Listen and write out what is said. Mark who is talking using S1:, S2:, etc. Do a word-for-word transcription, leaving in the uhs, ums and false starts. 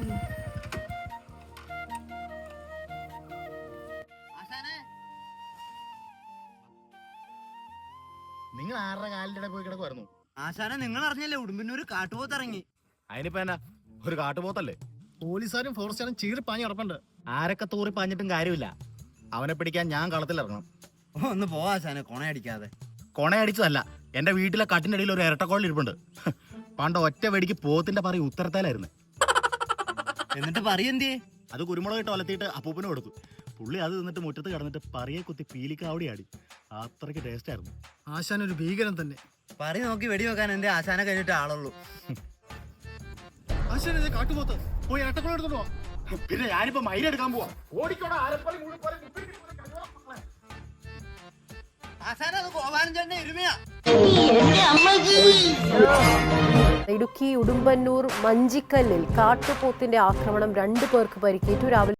S1: നിങ്ങൾ ആരുടെ കാലിന്റെ പോയി കിടക്കുമായിരുന്നു?
S2: ആശാനെ, നിങ്ങൾ അറിഞ്ഞല്ലേ ഉടുമ്പന്നൂര് കാട്ടുപോത്ത് ഇറങ്ങി?
S1: അതിനിപ്പോ എന്നാ, ഒരു കാട്ടുപോത്തല്ലേ?
S3: പോലീസുകാരും ഫോറസ്റ്റുകാരും ചീറി പാഞ്ഞ് കിടപ്പുണ്ട്.
S1: ആരൊക്കെ തൂറി പാഞ്ഞിട്ടും കാര്യമില്ല, അവനെ പിടിക്കാൻ ഞാൻ കളത്തിലിറങ്ങണം.
S2: ഒന്ന് പോ ആശാനെ, കൊണയടിക്കാതെ.
S1: കൊണയടിച്ചതല്ല, എന്റെ വീട്ടിലെ കട്ടിന്റെ അടിയിൽ ഒരു ഇരട്ടക്കോളിൽ ഇരിപ്പുണ്ട്. പണ്ട് ഒറ്റ വെടിക്ക് പോത്തിന്റെ പറയും ഉത്തരത്തേലായിരുന്നു.
S2: എന്നിട്ട് പറയെന്തേ?
S1: അത് കുരുമുളക് ഇട്ട് ഒലത്തിയിട്ട് അപ്പൂപ്പന് കൊടുത്തു. പുള്ളി അത് തിന്നിട്ട് മുറ്റത്ത് കിടന്നിട്ട് പറയെ കുത്തി പീലിക്കാവടി ആടി. അത്രയ്ക്ക് ടേസ്റ്റ് ആയിരുന്നു.
S3: ആശാൻ ഒരു ഭീകരൻ തന്നെ.
S2: പറ നോക്കി വെടി വെക്കാൻ എന്റെ ആശാനെ കഴിഞ്ഞിട്ട് ആളുള്ളൂ.
S3: ആശാൻ കാട്ടുപോത്ത് പോയി ഇരട്ടക്കോളം എടുത്തോളൂ.
S1: പിന്നെ ഞാനിപ്പോ മയിലെടുക്കാൻ പോവാ.
S2: ആശാനെ, അത് ഗോപാലൻ ചേട്ടന്റെ എരുമയാ.
S4: ഇടുക്കി ഉടുമ്പന്നൂർ മഞ്ചിക്കല്ലിൽ കാട്ടുപോത്തിന്റെ ആക്രമണം, രണ്ടു പേർക്ക് പരിക്കേറ്റു. രാവിലെ